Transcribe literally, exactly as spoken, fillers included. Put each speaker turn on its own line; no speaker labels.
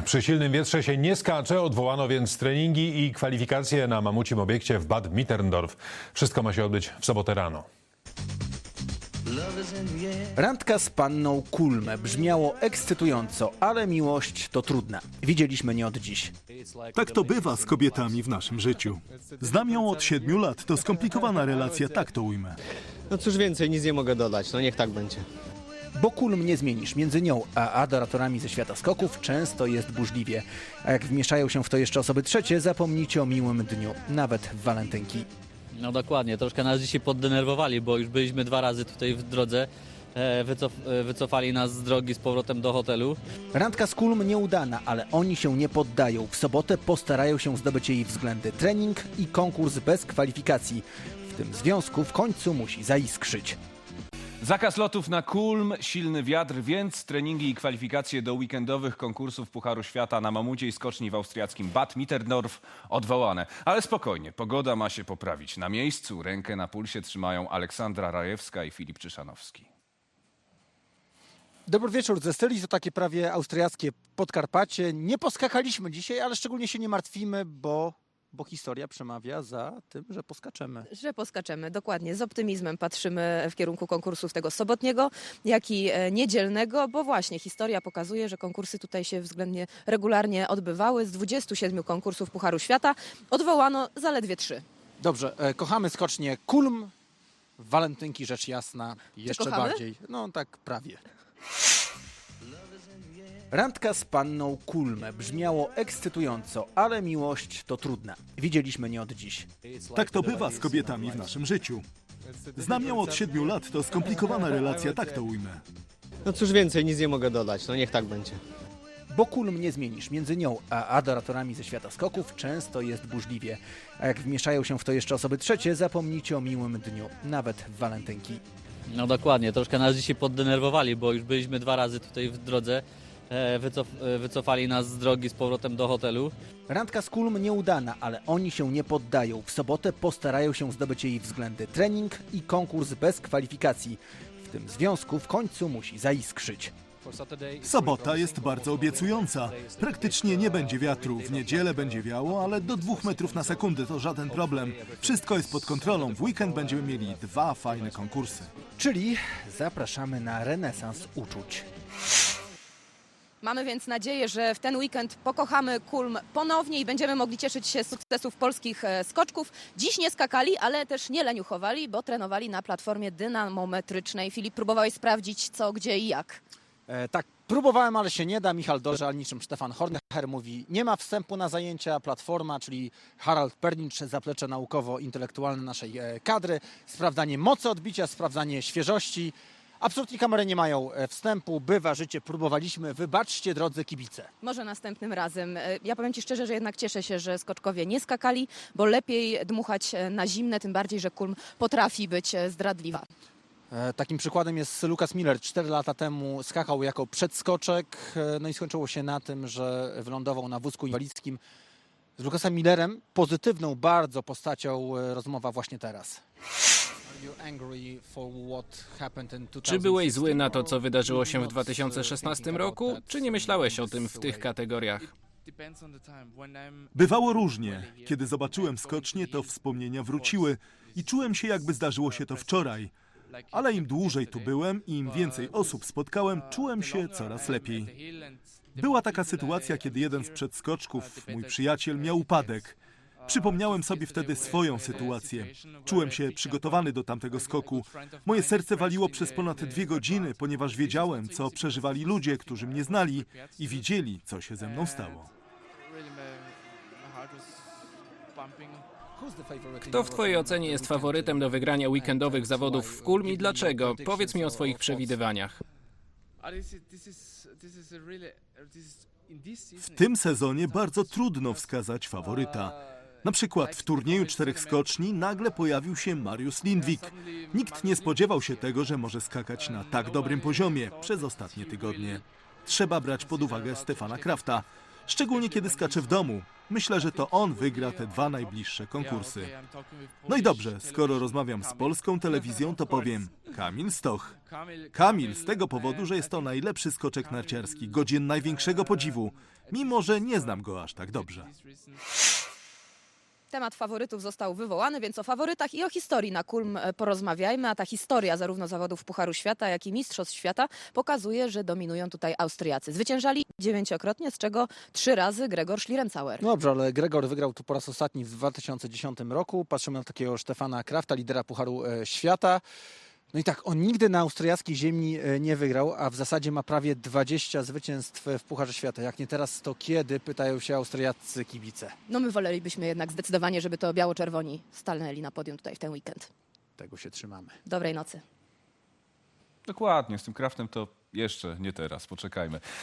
Przy silnym wietrze się nie skacze, odwołano więc treningi i kwalifikacje na mamucim obiekcie w Bad Mitterndorf. Wszystko ma się odbyć w sobotę rano.
Randka z panną Kulm brzmiało ekscytująco, ale miłość to trudna. Widzieliśmy nie od dziś.
Tak to bywa z kobietami w naszym życiu. Znam ją od siedmiu lat, to skomplikowana relacja, tak to ujmę.
No cóż więcej, nic nie mogę dodać, no niech tak będzie.
Bo Kulm nie zmienisz. Między nią a adoratorami ze świata skoków często jest burzliwie. A jak wmieszają się w to jeszcze osoby trzecie, zapomnijcie o miłym dniu, nawet w walentynki.
No dokładnie, troszkę nas dzisiaj poddenerwowali, bo już byliśmy dwa razy tutaj w drodze. Wycof wycofali nas z drogi z powrotem do hotelu.
Randka z Kulm nieudana, ale oni się nie poddają. W sobotę postarają się zdobyć jej względy. Trening i konkurs bez kwalifikacji. W tym związku w końcu musi zaiskrzyć.
Zakaz lotów na Kulm, silny wiatr, więc treningi i kwalifikacje do weekendowych konkursów Pucharu Świata na mamuciej skoczni w austriackim Bad Mitterndorf odwołane. Ale spokojnie, pogoda ma się poprawić. Na miejscu rękę na pulsie trzymają Aleksandra Rajewska i Filip Czyszanowski.
Dobry wieczór ze Styli, to takie prawie austriackie Podkarpacie. Nie poskakaliśmy dzisiaj, ale szczególnie się nie martwimy, bo, bo historia przemawia za tym, że poskaczemy.
Że poskaczemy, dokładnie. Z optymizmem patrzymy w kierunku konkursów tego sobotniego, jak i niedzielnego, bo właśnie historia pokazuje, że konkursy tutaj się względnie regularnie odbywały. Z dwudziestu siedmiu konkursów Pucharu Świata odwołano zaledwie trzy.
Dobrze, e, kochamy skocznie Kulm, walentynki rzecz jasna, jeszcze
kochamy?
bardziej. No tak prawie. Randka z panną Kulm brzmiało ekscytująco, ale miłość to trudna. Widzieliśmy nie od dziś.
Tak to bywa z kobietami w naszym życiu. Znam ją od siedmiu lat, to skomplikowana relacja, tak to ujmę.
No cóż więcej, nic nie mogę dodać, no niech tak będzie.
Bo Kulm nie zmienisz. Między nią a adoratorami ze świata skoków często jest burzliwie. A jak wmieszają się w to jeszcze osoby trzecie, zapomnijcie o miłym dniu, nawet w walentynki.
No dokładnie, troszkę nas dzisiaj poddenerwowali, bo już byliśmy dwa razy tutaj w drodze. Wycof wycofali nas z drogi z powrotem do hotelu.
Randka z Kulm nieudana, ale oni się nie poddają. W sobotę postarają się zdobyć jej względy. Trening i konkurs bez kwalifikacji. W tym związku w końcu musi zaiskrzyć.
Sobota jest bardzo obiecująca. Praktycznie nie będzie wiatru. W niedzielę będzie wiało, ale do dwóch metrów na sekundę to żaden problem. Wszystko jest pod kontrolą. W weekend będziemy mieli dwa fajne konkursy.
Czyli zapraszamy na renesans uczuć.
Mamy więc nadzieję, że w ten weekend pokochamy Kulm ponownie i będziemy mogli cieszyć się z sukcesów polskich skoczków. Dziś nie skakali, ale też nie leniuchowali, bo trenowali na platformie dynamometrycznej. Filip, próbowałeś sprawdzić co, gdzie i jak?
E, tak, próbowałem, ale się nie da. Michał Dorze, niczym Stefan Hornher mówi, nie ma wstępu na zajęcia. Platforma, czyli Harald Pernicz, zaplecze naukowo-intelektualne naszej e, kadry. Sprawdzanie mocy odbicia, sprawdzanie świeżości. Absolutnie kamery nie mają wstępu, bywa życie, próbowaliśmy, wybaczcie drodzy kibice.
Może następnym razem. Ja powiem Ci szczerze, że jednak cieszę się, że skoczkowie nie skakali, bo lepiej dmuchać na zimne, tym bardziej, że Kulm potrafi być zdradliwa.
E, takim przykładem jest Lukas Miller. Cztery lata temu skakał jako przedskoczek, e, no i skończyło się na tym, że wylądował na wózku inwalidzkim. Z Lukasem Millerem, pozytywną bardzo postacią, e, rozmowa właśnie teraz.
Czy byłeś zły na to, co wydarzyło się w dwa tysiące szesnastym roku, czy nie myślałeś o tym w tych kategoriach?
Bywało różnie. Kiedy zobaczyłem skocznie, to wspomnienia wróciły i czułem się, jakby zdarzyło się to wczoraj. Ale im dłużej tu byłem i im więcej osób spotkałem, czułem się coraz lepiej. Była taka sytuacja, kiedy jeden z przedskoczków, mój przyjaciel, miał upadek. Przypomniałem sobie wtedy swoją sytuację. Czułem się przygotowany do tamtego skoku. Moje serce waliło przez ponad dwie godziny, ponieważ wiedziałem, co przeżywali ludzie, którzy mnie znali i widzieli, co się ze mną stało.
Kto w twojej ocenie jest faworytem do wygrania weekendowych zawodów w Kulm i dlaczego? Powiedz mi o swoich przewidywaniach.
W tym sezonie bardzo trudno wskazać faworyta. Na przykład w turnieju czterech skoczni nagle pojawił się Mariusz Lindvik. Nikt nie spodziewał się tego, że może skakać na tak dobrym poziomie przez ostatnie tygodnie. Trzeba brać pod uwagę Stefana Krafta. Szczególnie kiedy skacze w domu. Myślę, że to on wygra te dwa najbliższe konkursy. No i dobrze, skoro rozmawiam z polską telewizją, to powiem Kamil Stoch. Kamil z tego powodu, że jest to najlepszy skoczek narciarski, godzien największego podziwu, mimo że nie znam go aż tak dobrze.
Temat faworytów został wywołany, więc o faworytach i o historii na Kulm porozmawiajmy. A ta historia zarówno zawodów Pucharu Świata, jak i Mistrzostw Świata pokazuje, że dominują tutaj Austriacy. Zwyciężali dziewięciokrotnie, z czego trzy razy Gregor Schlierenzauer.
Dobrze, ale Gregor wygrał tu po raz ostatni w dwa tysiące dziesiątym roku. Patrzymy na takiego Stefana Krafta, lidera Pucharu e, Świata. No i tak, on nigdy na austriackiej ziemi e, nie wygrał, a w zasadzie ma prawie dwadzieścia zwycięstw w Pucharze Świata. Jak nie teraz, to kiedy? Pytają się austriaccy kibice.
No my wolelibyśmy jednak zdecydowanie, żeby to biało-czerwoni stanęli na podium tutaj w ten weekend.
Tego się trzymamy.
Dobrej nocy.
Dokładnie, z tym Kraftem to jeszcze nie teraz, poczekajmy.